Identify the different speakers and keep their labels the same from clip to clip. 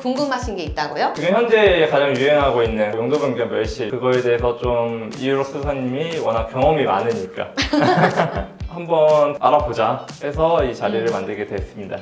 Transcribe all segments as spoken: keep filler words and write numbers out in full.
Speaker 1: 궁금하신 게 있다고요?
Speaker 2: 지금 현재 가장 유행하고 있는 용도 변경 멸실, 그거에 대해서 좀 이유록 수사님이 워낙 경험이 많으니까 한번 알아보자 해서 이 자리를
Speaker 1: 음.
Speaker 2: 만들게 됐습니다.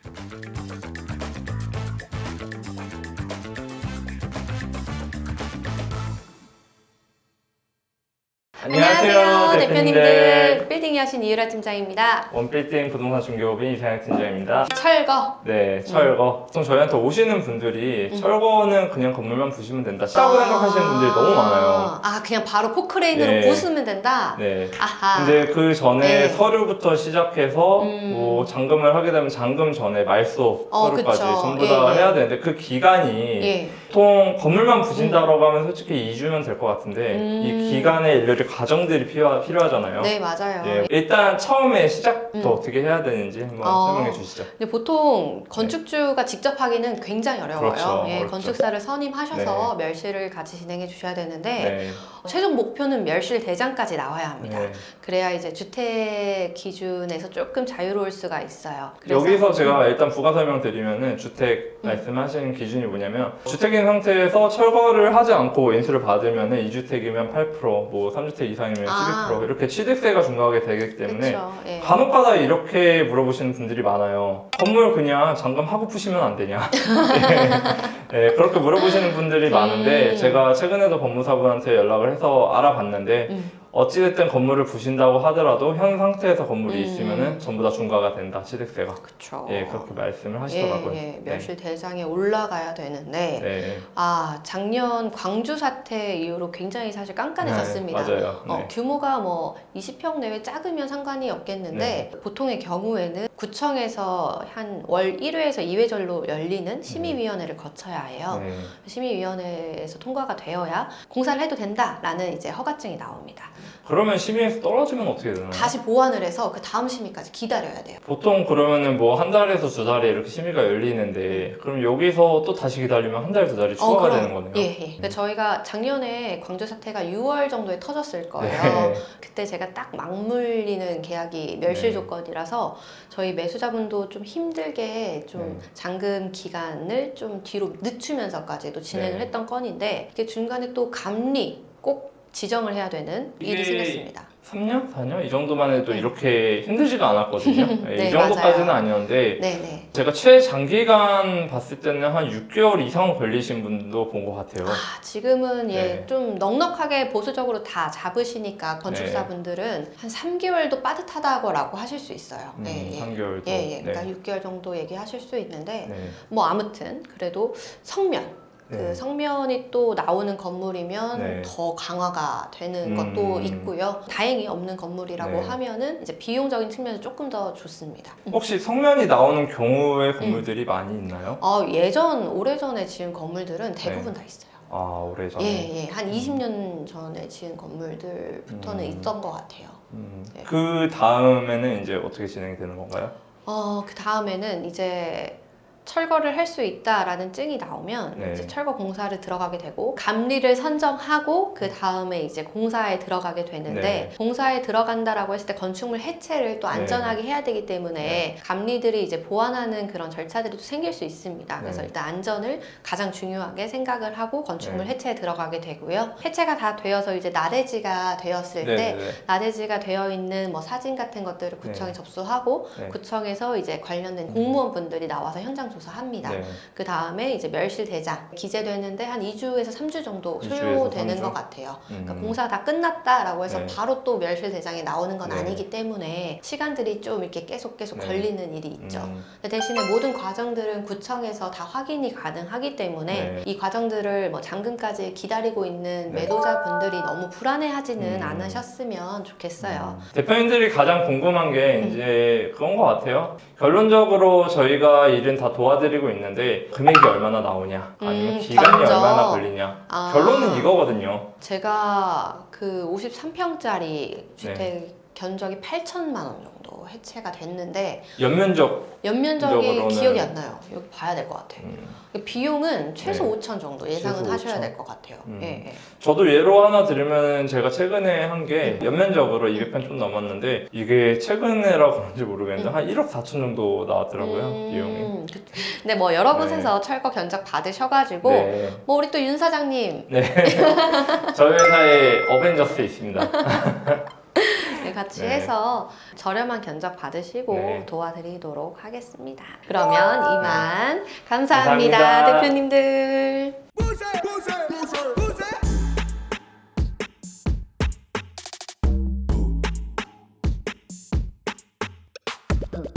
Speaker 1: 안녕하세요, 대표님들. 빌딩이 하신 이유라 팀장입니다.
Speaker 2: 원빌딩 부동산 중개업인 이상혁 팀장입니다.
Speaker 1: 철거.
Speaker 2: 네, 철거. 보통 저희한테 오시는 분들이
Speaker 1: 음.
Speaker 2: 철거는 그냥 건물만 부시면 된다 쉽다고 생각하시는 분들이 너무 많아요.
Speaker 1: 아, 그냥 바로 포크레인으로
Speaker 2: 네.
Speaker 1: 부수면 된다?
Speaker 2: 네.
Speaker 1: 아하.
Speaker 2: 근데 그 전에
Speaker 1: 네.
Speaker 2: 서류부터 시작해서
Speaker 1: 음.
Speaker 2: 뭐 잔금을 하게 되면 잔금 전에 말소
Speaker 1: 어,
Speaker 2: 서류까지
Speaker 1: 그쵸.
Speaker 2: 전부
Speaker 1: 예,
Speaker 2: 다
Speaker 1: 예.
Speaker 2: 해야 되는데 그 기간이
Speaker 1: 예.
Speaker 2: 보통 건물만 부신다라고 하면 솔직히 이 주면 될 것 같은데
Speaker 1: 음.
Speaker 2: 이 기간에 일일이 과정들이 필요, 필요하잖아요.
Speaker 1: 네, 맞아요.
Speaker 2: 예, 일단 처음에 시작부터
Speaker 1: 음.
Speaker 2: 어떻게 해야 되는지 한번
Speaker 1: 어.
Speaker 2: 설명해 주시죠.
Speaker 1: 근데 보통 건축주가 직접 하기는 굉장히 어려워요.
Speaker 2: 그렇죠.
Speaker 1: 예,
Speaker 2: 어렵죠.
Speaker 1: 건축사를 선임하셔서 멸실을 같이 진행해 주셔야 되는데
Speaker 2: 네.
Speaker 1: 최종 목표는 멸실 대장까지 나와야 합니다.
Speaker 2: 네.
Speaker 1: 그래야 이제 주택 기준에서 조금 자유로울 수가 있어요. 그래서
Speaker 2: 여기서 제가 일단 부가 설명 드리면은 주택
Speaker 1: 음.
Speaker 2: 말씀하시는 기준이 뭐냐면 주택인 상태에서 철거를 하지 않고 인수를 받으면은 이 주택이면 팔 퍼센트, 뭐 삼 주택 이상이면
Speaker 1: 아.
Speaker 2: 십이 퍼센트 이렇게 취득세가 중과하게 되기 때문에
Speaker 1: 그쵸, 예.
Speaker 2: 간혹가다 이렇게 물어보시는 분들이 많아요. 건물 그냥 잔금하고 푸시면 안 되냐? 네, 네, 그렇게 물어보시는 분들이 많은데
Speaker 1: 음.
Speaker 2: 제가 최근에도 법무사분한테 연락을 해서 알아봤는데
Speaker 1: 음.
Speaker 2: 어찌됐든 건물을 부신다고 하더라도 현 상태에서 건물이
Speaker 1: 음.
Speaker 2: 있으면은 전부 다 중과가 된다, 취득세가.
Speaker 1: 그쵸.
Speaker 2: 예, 그렇게 말씀을 하시더라고요.
Speaker 1: 예, 예. 멸실 대장에 올라가야 되는데
Speaker 2: 네.
Speaker 1: 아, 작년 광주 사태 이후로 굉장히 사실 깐깐해졌습니다.
Speaker 2: 네, 맞아요.
Speaker 1: 어,
Speaker 2: 네.
Speaker 1: 규모가 뭐 이십 평 내외 작으면 상관이 없겠는데 보통의 경우에는 구청에서 한 월 일 회에서 이 회절로 열리는 심의위원회를 거쳐야 해요.
Speaker 2: 네.
Speaker 1: 심의위원회에서 통과가 되어야 공사를 해도 된다라는 이제 허가증이 나옵니다.
Speaker 2: 그러면 심의에서 떨어지면 어떻게 되나요?
Speaker 1: 다시 보완을 해서 그 다음 심의까지 기다려야 돼요.
Speaker 2: 보통 그러면은 뭐 한 달에서 두 달에 이렇게 심의가 열리는데 그럼 여기서 또 다시 기다리면 한 달, 두 달이 추가가
Speaker 1: 그럼.
Speaker 2: 되는 거네요.
Speaker 1: 예, 예. 그러니까 저희가 작년에 광주 사태가 유월 정도에 터졌을 거예요.
Speaker 2: 네.
Speaker 1: 그때 제가 딱 맞물리는 계약이 멸실
Speaker 2: 네.
Speaker 1: 조건이라서 저희 매수자분도 좀 힘들게 좀
Speaker 2: 네.
Speaker 1: 잔금 기간을 좀 뒤로 늦추면서까지도 진행을
Speaker 2: 네.
Speaker 1: 했던 건인데 이게 중간에 또 감리 꼭 지정을 해야 되는 일이
Speaker 2: 이게
Speaker 1: 생겼습니다.
Speaker 2: 삼 년? 사 년? 이 정도만 해도
Speaker 1: 네.
Speaker 2: 이렇게 힘들지가 않았거든요. 네,
Speaker 1: 네,
Speaker 2: 이 정도까지는
Speaker 1: 맞아요.
Speaker 2: 아니었는데
Speaker 1: 네네.
Speaker 2: 제가 최장기간 봤을 때는 한 육 개월 이상 걸리신 분도 본 것 같아요.
Speaker 1: 아, 지금은 예,
Speaker 2: 네.
Speaker 1: 좀 넉넉하게 보수적으로 다 잡으시니까 건축사분들은 한 삼 개월도 빠듯하다고 하실 수 있어요.
Speaker 2: 음,
Speaker 1: 예, 예.
Speaker 2: 삼 개월도.
Speaker 1: 예, 예. 그러니까
Speaker 2: 네.
Speaker 1: 육 개월 정도 얘기하실 수 있는데
Speaker 2: 네.
Speaker 1: 뭐 아무튼 그래도 성면 그
Speaker 2: 네.
Speaker 1: 성면이 또 나오는 건물이면
Speaker 2: 네.
Speaker 1: 더 강화가 되는
Speaker 2: 음.
Speaker 1: 것도 있고요. 다행히 없는 건물이라고
Speaker 2: 네.
Speaker 1: 하면은 이제 비용적인 측면에서 조금 더 좋습니다.
Speaker 2: 혹시 성면이 나오는 경우의
Speaker 1: 음.
Speaker 2: 건물들이 많이 있나요?
Speaker 1: 어, 예전 오래전에 지은 건물들은 대부분
Speaker 2: 네.
Speaker 1: 다 있어요.
Speaker 2: 아, 오래전에.
Speaker 1: 예, 예. 한 이십 년 전에 지은 건물들부터는
Speaker 2: 음.
Speaker 1: 있던 것 같아요.
Speaker 2: 음,
Speaker 1: 네.
Speaker 2: 그 다음에는 이제 어떻게 진행이 되는 건가요?
Speaker 1: 어, 그 다음에는 이제 철거를 할 수 있다라는 증이 나오면
Speaker 2: 네.
Speaker 1: 이제 철거 공사를 들어가게 되고 감리를 선정하고 그 다음에 이제 공사에 들어가게 되는데
Speaker 2: 네.
Speaker 1: 공사에 들어간다라고 했을 때 건축물 해체를 또
Speaker 2: 네.
Speaker 1: 안전하게 해야 되기 때문에
Speaker 2: 네.
Speaker 1: 감리들이 이제 보완하는 그런 절차들이 또 생길 수 있습니다. 그래서
Speaker 2: 네.
Speaker 1: 일단 안전을 가장 중요하게 생각을 하고 건축물
Speaker 2: 네.
Speaker 1: 해체에 들어가게 되고요. 해체가 다 되어서 이제 나대지가 되었을
Speaker 2: 네,
Speaker 1: 때
Speaker 2: 네, 네.
Speaker 1: 나대지가 되어 있는 뭐 사진 같은 것들을 구청에
Speaker 2: 네.
Speaker 1: 접수하고
Speaker 2: 네.
Speaker 1: 구청에서 이제 관련된 공무원분들이 나와서 현장 조사합니다.
Speaker 2: 네.
Speaker 1: 그 다음에 이제 멸실 대장 기재되는데 한 이 주에서 삼 주 정도
Speaker 2: 이 주에서
Speaker 1: 소요되는
Speaker 2: 삼 주?
Speaker 1: 것 같아요. 그러니까
Speaker 2: 음.
Speaker 1: 공사 다 끝났다라고 해서
Speaker 2: 네.
Speaker 1: 바로 또 멸실 대장이 나오는 건
Speaker 2: 네.
Speaker 1: 아니기 때문에 시간들이 좀 이렇게 계속 계속
Speaker 2: 네.
Speaker 1: 걸리는 일이 있죠.
Speaker 2: 음.
Speaker 1: 근데 대신에 모든 과정들은 구청에서 다 확인이 가능하기 때문에
Speaker 2: 네.
Speaker 1: 이 과정들을 뭐 잔금까지 기다리고 있는
Speaker 2: 네.
Speaker 1: 매도자분들이 너무 불안해하지는
Speaker 2: 음.
Speaker 1: 않으셨으면 좋겠어요.
Speaker 2: 음. 대표님들이 가장 궁금한 게
Speaker 1: 음.
Speaker 2: 이제 그런 것 같아요. 결론적으로 저희가 일은 다 도와드리고 있는데 금액이 얼마나 나오냐, 아니면
Speaker 1: 음,
Speaker 2: 기간이
Speaker 1: 견적.
Speaker 2: 얼마나 걸리냐.
Speaker 1: 아.
Speaker 2: 결론은 이거거든요.
Speaker 1: 제가 그 오십삼 평짜리 주택 견적이 팔천만 원 정도 또 해체가 됐는데
Speaker 2: 연면적
Speaker 1: 연면적이
Speaker 2: 적으로는-
Speaker 1: 기억이 안 나요. 여기 봐야 될 것 같아요.
Speaker 2: 음,
Speaker 1: 비용은 최소
Speaker 2: 네.
Speaker 1: 오천 정도 예상은
Speaker 2: 최소
Speaker 1: 하셔야
Speaker 2: 오천?
Speaker 1: 될 것 같아요.
Speaker 2: 음.
Speaker 1: 예, 예.
Speaker 2: 저도 예로 하나 들으면 제가 최근에 한 게 연면적으로 이백 편 좀 넘었는데 이게 최근에라 그런지 모르겠는데
Speaker 1: 음.
Speaker 2: 한 일억 사천 정도 나왔더라고요.
Speaker 1: 음,
Speaker 2: 비용이.
Speaker 1: 그- 근데 뭐 여러
Speaker 2: 네.
Speaker 1: 곳에서 철거 견적 받으셔가지고
Speaker 2: 네.
Speaker 1: 뭐 우리 또 윤 사장님
Speaker 2: 네. 저희 회사에 어벤져스 있습니다.
Speaker 1: 네, 같이
Speaker 2: 네.
Speaker 1: 해서 저렴한 견적 받으시고
Speaker 2: 네.
Speaker 1: 도와드리도록 하겠습니다. 그러면 이만 감사합니다,
Speaker 2: 감사합니다.
Speaker 1: 대표님들.